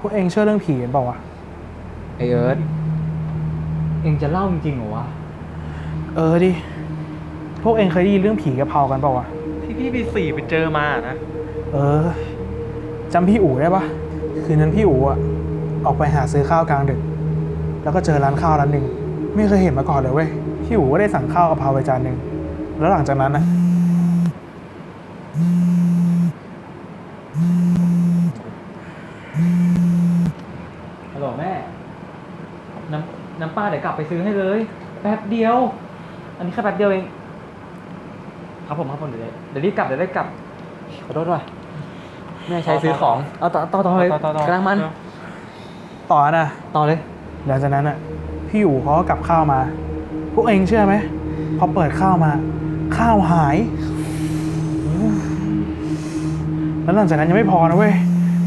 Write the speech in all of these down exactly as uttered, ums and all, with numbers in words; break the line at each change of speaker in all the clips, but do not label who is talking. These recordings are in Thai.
วกเองเชื่อเรื่องผีกันเปล่าวะ
ไอเอิร์ธเองจะเล่าจริงๆเหรอวะ
เออดิพวกเองเคยได้ยินเรื่องผีกะเพรากันเปล่าวะ
ที่พี่ปีสี่ไปเจอมานะ
เออจำพี่อู๋ได้ปะคืนนั้นพี่อู๋อะออกไปหาซื้อข้าวกลางดึกแล้วก็เจอร้านข้าวร้านหนึ่งไม่เคยเห็นมาก่อนเลยเว้ยพี่อู๋ก็ได้สั่งข้าวกะเพราไปจานหนึ่งแล้วหลังจากนั้นนะ
ฮัลโหลแม่น้ำน้ำปลาเดี๋ยวกลับไปซื้อให้เลยแป๊บเดียวอันนี้แค่แป๊บเดียวเองครับผมครับผมเดี๋ยวเดี๋ยวรีบกลับเดี๋ยวได้กลับขอโทษด้วยแม่ใช้ซื้อของเอาต่อต่อต่อเลยกำลังมัน
ต่อนะ
ต่อเลย
หลังจากนั้นอ่ะพี่อู๋เขาก็กลับข้าวมาพวกเองเชื่อไหมพอเปิดข้าวมาข้าวหายแล้วหลังจากนั้นยังไม่พอนะเว้ย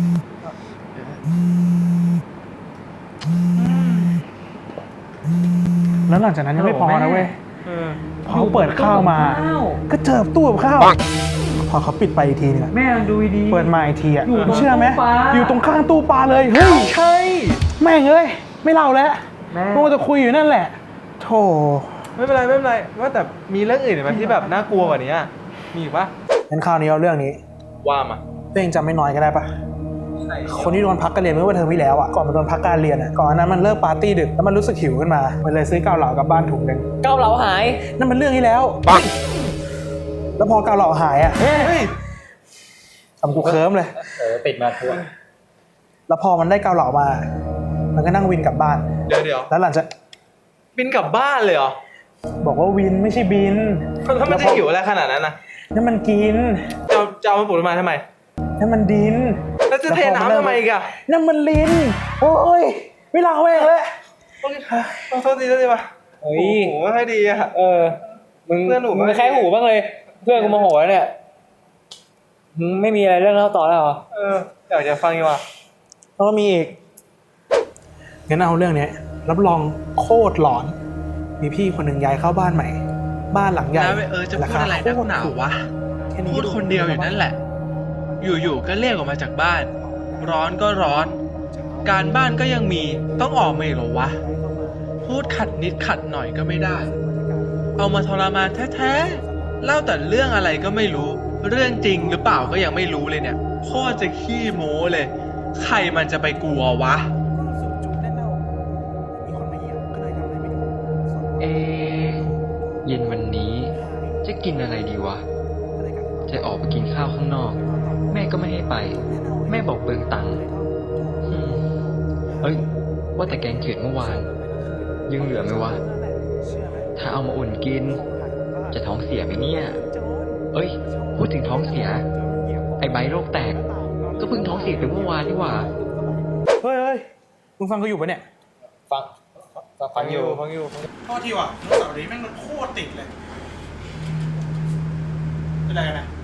แล้วหลังจากนั้นยังไม่พอนะเว้ยพอเขาเปิดข้าวมาก็เจอตู้กับข้าวพอเขาปิดไปอีกทีนึง
แม่ดูดี
เปิดมาอีกทีอ่ะเชื่อไหมอยู่ตรงข้างตู้ปลาเลยเฮ้ย
ใช่
แม่งเอ้ยไม่เล่าแล้วพวกจะคุยอยู่นั่นแหละโธ่
ไม่เป็นไรไม่เป็นไรว่าแต่มีเรื่องอื่นไหมที่แบบน่ากลัวกว่านี้มีปะ
งั้นคราวนี้เอาเรื่องนี้
ว่ามา
ตัวเองจำไม่น้อยก็ได้ปะคนที่โดนพักการเรียนเมื่อวันเทอมที่แล้วอ่ะก่อนมันโดนพักการเรียนอ่ะก่อนนั้นมันเลิกปาร์ตี้ดึกแล้วมันรู้สึกหิวขึ้นมามันเลยซื้อเกาเหลากลับบ้านถุงนึง
เกาเหลาหาย
นั่นมันเรื่องที่แล้วปังแล้วพอเกาเหลาหายอ่ะเฮ้ยทำกูเคิร์มเลย
เออติดมาทั่ว
แล้วพอมันได้เกาเหลามามันก็นั่งวินกลับบ้าน
เดี๋ยวเดี๋ยว
แล้วหลังจาก
บินกลับบ้านเลยเหรอ
บอกว่าวินไม่ใช่บิน
ถ้ามันจะหิวอะไรขนาดนั้นนะ
นั่นมันกิน
จะจะเอามาปลุกมาทำไม
นั่นมันดิน
แล้วจะเทน้ำทำไมอีกอะ
นั่นมันลิ้นโอ้ยไม่ลาเว้ยเลย
ต้องโทษทีโทษทีป่ะ
โอ้ย
โหไม่ดีอะ
เออมึงเพื่อนหนูมึงแค่หูบ้างเลยเพื่อนกูโมโหแล้วเนี่ยมึงไม่มีอะไรเรื่องเล่าต่อแล้วเหรอ
เอออยากจะฟังอยู่ว่ะ
แล้วก็มีอีกงั้นเอาเรื่องนี้รับรองโคตรหลอนมีพี่คนหนึ่งย้ายเข้าบ้านใหม่บ้านหลังใหญ่
เออจะพูดอะไรนักหนาวะพูดคนเดียวอยู่นั่นแหละอยู่ๆก็เรียกออกมาจากบ้านร้อนก็ร้อนการบ้านก็ยังมีต้องออกมาอีกเหรอวะพูดขัดนิดขัดหน่อยก็ไม่ได้เอามาทรมานแท้ๆเล่าแต่เรื่องอะไรก็ไม่รู้เรื่องจริงหรือเปล่าก็ยังไม่รู้เลยเนี่ยโคตรจะขี้โม้เลยใครมันจะไปกลัววะ
เอเย็นวันนี้จะกินอะไรดีวะจะออกไปกินข้าวข้างนอกแม่ก็ไม่ให้ไปแม่บอกเปลืองตังค์เอ้ยว่าแต่แกงเขียดเมื่อวานยังเหลือไหมวะถ้าเอามาอุ่นกินจะท้องเสียไหมเนี่ยเอ้ยพูดถึงท้องเสียไอ้ใบโรคแตกก็เพิ่งท้องเสียไปเมื่อวานนี่หว่า
เฮ้ยเฮ้ยมึงฟังเขาอยู่ปะเนี่ย
ฟังฟังอยู่ฟังอยู่
โทษทีว่ะรถเสาร์นี้แม่งมันโคตรติดเลยเป็นไรกันนะ